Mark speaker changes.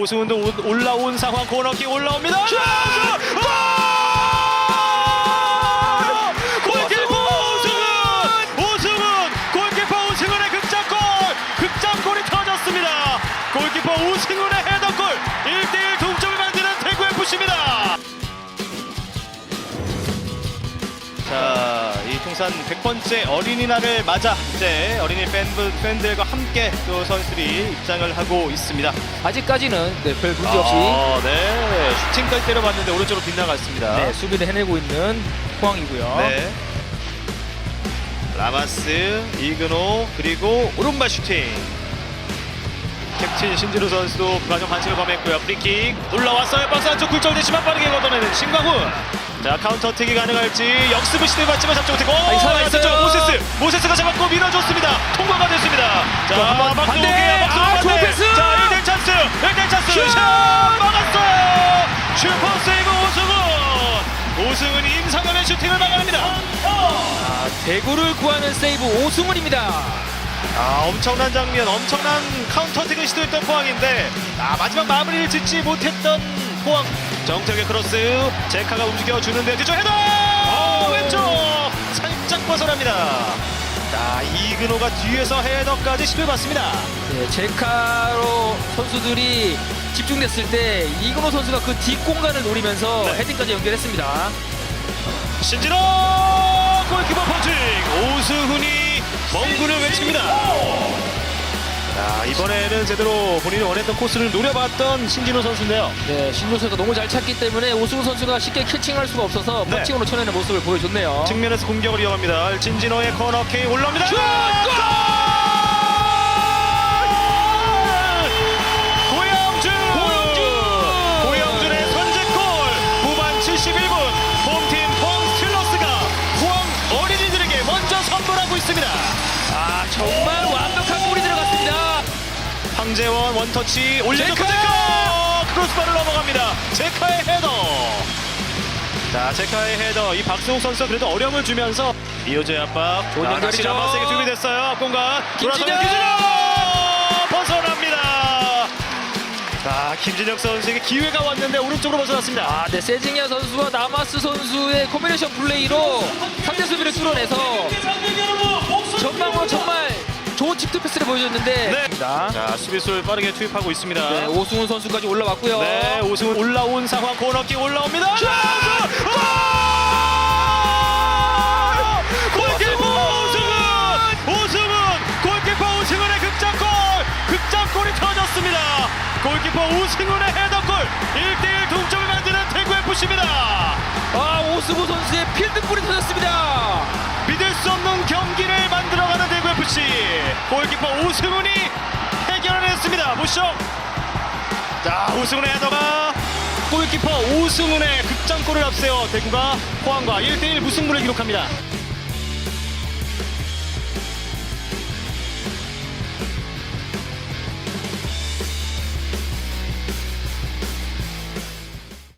Speaker 1: 오승훈도 올라온 상황. 코너킥 올라옵니다. 골! 골키퍼 오승훈! 골키퍼 오승훈의 극장골이 터졌습니다. 골키퍼 오승훈의 헤더골. 1대1 동점을 만드는 대구 FC입니다. 자, 이 통산 100번째 어린이날을 맞아 이제 어린이 팬들과 함께 또 선수들이 입장을 하고 있습니다.
Speaker 2: 아직까지는 별 문제 없이
Speaker 1: 네, 슈팅까지 때려봤는데 오른쪽으로 빗나갔습니다.
Speaker 2: 네, 수비를 해내고 있는 포항이고요.
Speaker 1: 네. 라마스, 이근호, 그리고 오른발 슈팅. 캡틴 신진우 선수도 불안정 반칙을 범했고요. 프리킥 올라왔어요. 박스 안쪽 굴절되지만 빠르게 걷어내는 신광훈. 자, 카운터 어택이 가능할지 역습을 시도해봤지만 잡지 못했고
Speaker 2: 살아있어요.
Speaker 1: 모세스가 잡았고 밀어줬습니다. 통과가 됐습니다. 자,
Speaker 2: 반대. 좋은 패스.
Speaker 1: 자, 1대1 찬스. 1대1 찬스. 슛! 막았어요. 슈퍼 세이브 오승훈이 임상현의 슈팅을 막아냅니다.
Speaker 2: 대구를 구하는 세이브 오승훈입니다.
Speaker 1: 엄청난 장면, 엄청난 카운터 어택을 시도했던 포항인데 마지막 마무리를 짓지 못했던 포항. 정태욱의 크로스, 제카가 움직여주는데 뒤쪽 헤더! 왼쪽! 살짝 벗어납니다. 자, 이근호가 뒤에서 헤더까지 시도해봤습니다.
Speaker 2: 네, 제카로 선수들이 집중됐을 때 이근호 선수가 그 뒷공간을 노리면서
Speaker 1: 네.
Speaker 2: 헤딩까지 연결했습니다.
Speaker 1: 신진호! 골키퍼 펀칭! 오승훈이 멍구를 외칩니다. 자, 이번에는 제대로 본인이 원했던 코스를 노려봤던 신진호 선수인데요.
Speaker 2: 네, 신조 선수가 너무 잘 찼기 때문에 오승훈 선수가 쉽게 캐칭할 수가 없어서
Speaker 1: 네.
Speaker 2: 펀칭으로 쳐내는 모습을 보여줬네요.
Speaker 1: 측면에서 공격을 이어갑니다. 진진호의 코너킥 올라옵니다.
Speaker 2: 슛!
Speaker 1: 고영준의 선제골. 후반 71분 홈팀 포항 스틸러스가 포항 어린이들에게 먼저 선물하고 있습니다.
Speaker 2: 정말 완벽한 골이 들어갔습니다.
Speaker 1: 황재원 원터치 올려놓고
Speaker 2: 제카!
Speaker 1: 크로스바를 넘어갑니다. 제카의 헤더. 자, 제카의 헤더. 이 박승욱 선수가 그래도 어려움을 주면서 이호재 압박.
Speaker 2: 좋은 연결이죠.
Speaker 1: 다시 라마스에게 준비됐어요. 앞공간.
Speaker 2: 김진혁!
Speaker 1: 벗어납니다. 자, 김진혁 선수에게 기회가 왔는데 오른쪽으로 벗어났습니다.
Speaker 2: 네, 세징야 선수와 나마스 선수의 코mb이네이션 플레이로 상대 수비를 뚫어내서 전방으로 정말 좋은 칩트 패스를 보여줬는데
Speaker 1: 네. 자, 수비수를 빠르게 투입하고 있습니다.
Speaker 2: 네, 오승훈 선수까지 올라왔고요.
Speaker 1: 네, 오승훈 올라온 상황. 코너킥 올라옵니다. 슛! 골키퍼 오승훈! 골키퍼 오승훈의 극장골이 터졌습니다. 골키퍼 오승훈의 헤더골. 1대1 동점을 만드는 대구 FC입니다.
Speaker 2: 오승훈 선수의 필드골이 터졌습니다.
Speaker 1: 믿을 수 없는 경기를 만들어가는 대구 FC. 골키퍼 오승훈이 해결해냈습니다. 보시죠. 자, 오승훈의 헤더가 골키퍼 오승훈의 극장골을 앞세워 대구가 포항과 1대1 무승부를 기록합니다.